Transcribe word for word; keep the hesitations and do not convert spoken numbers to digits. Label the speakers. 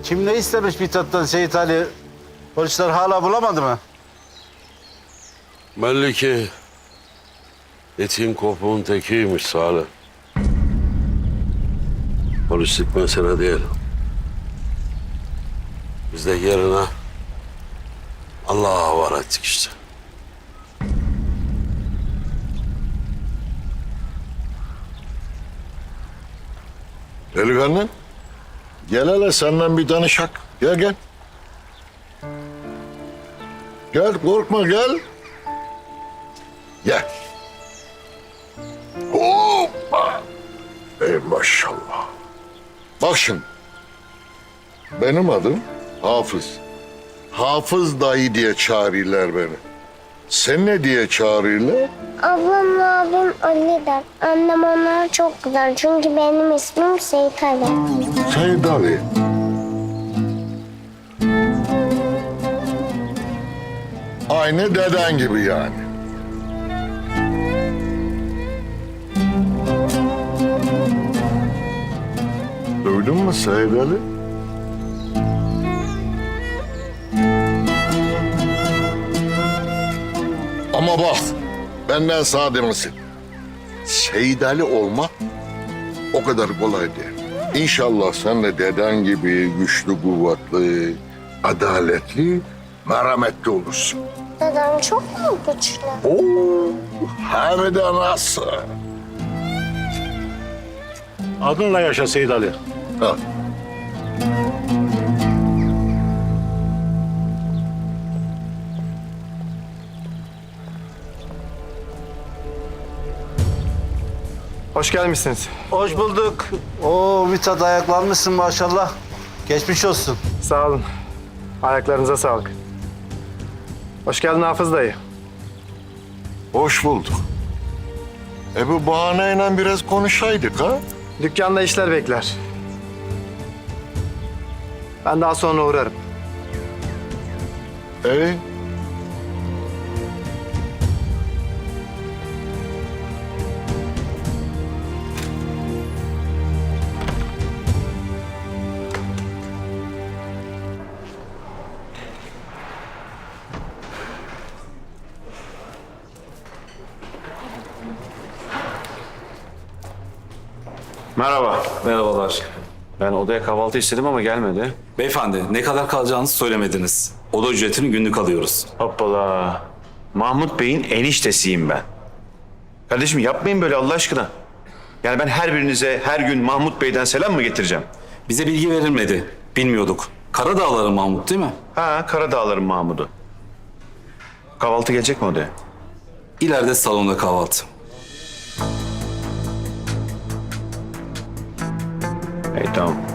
Speaker 1: Kim ne istemiş Mithat'tan Seyit Ali? Polisler hala bulamadı mı?
Speaker 2: Belli ki etin kopuğun tekiymiş Salih. Polislik mesele değil. Biz de yerine Allah'a havale ettik işte.
Speaker 3: Delikanlı, gel hele senden bir danışak. Gel gel. Gel korkma gel. Gel. Hoppa. Ey maşallah. Bak şimdi. Benim adım Hafız. Hafız dayı diye çağırırlar beni. Sen ne diye çağırırlar?
Speaker 4: Ablamla abim Ali der. Annem onlara çok güzel. Çünkü benim ismim Seyit Ali.
Speaker 3: Seyit Ali. Aynı deden gibi yani. Duydun mu Seyit Ali? Ama bak, benden sağ demesin. Seyit Ali olmak o kadar kolay değil. İnşallah sen de deden gibi güçlü, kuvvetli, adaletli, merhametli olursun.
Speaker 4: Dedem çok mu güçlü?
Speaker 3: Oo, hem de nasıl?
Speaker 5: Adınla yaşa Seyit Ali.
Speaker 3: Ha.
Speaker 6: Hoş gelmişsiniz.
Speaker 1: Hoş bulduk. Oo Mithat ayaklanmışsın maşallah. Geçmiş olsun.
Speaker 6: Sağ olun. Ayaklarınıza sağlık. Hoş geldin Hafız dayı.
Speaker 3: Hoş bulduk. E bu bahaneyle biraz konuşaydık ha?
Speaker 6: Dükkanda işler bekler. Ben daha sonra uğrarım.
Speaker 3: E?
Speaker 7: Merhaba.
Speaker 8: Merhabalar.
Speaker 7: Ben odaya kahvaltı istedim ama gelmedi.
Speaker 8: Beyefendi, ne kadar kalacağınızı söylemediniz. Oda ücretini günlük alıyoruz.
Speaker 7: Hoppala. Mahmut Bey'in eniştesiyim ben. Kardeşim yapmayın böyle Allah aşkına. Yani ben her birinize her gün Mahmut Bey'den selam mı getireceğim?
Speaker 8: Bize bilgi verilmedi. Bilmiyorduk. Karadağların Mahmut değil mi?
Speaker 7: Ha, Karadağların Mahmut'u. Kahvaltı gelecek mi odaya?
Speaker 8: İleride salonda kahvaltı.
Speaker 7: İyi tamam.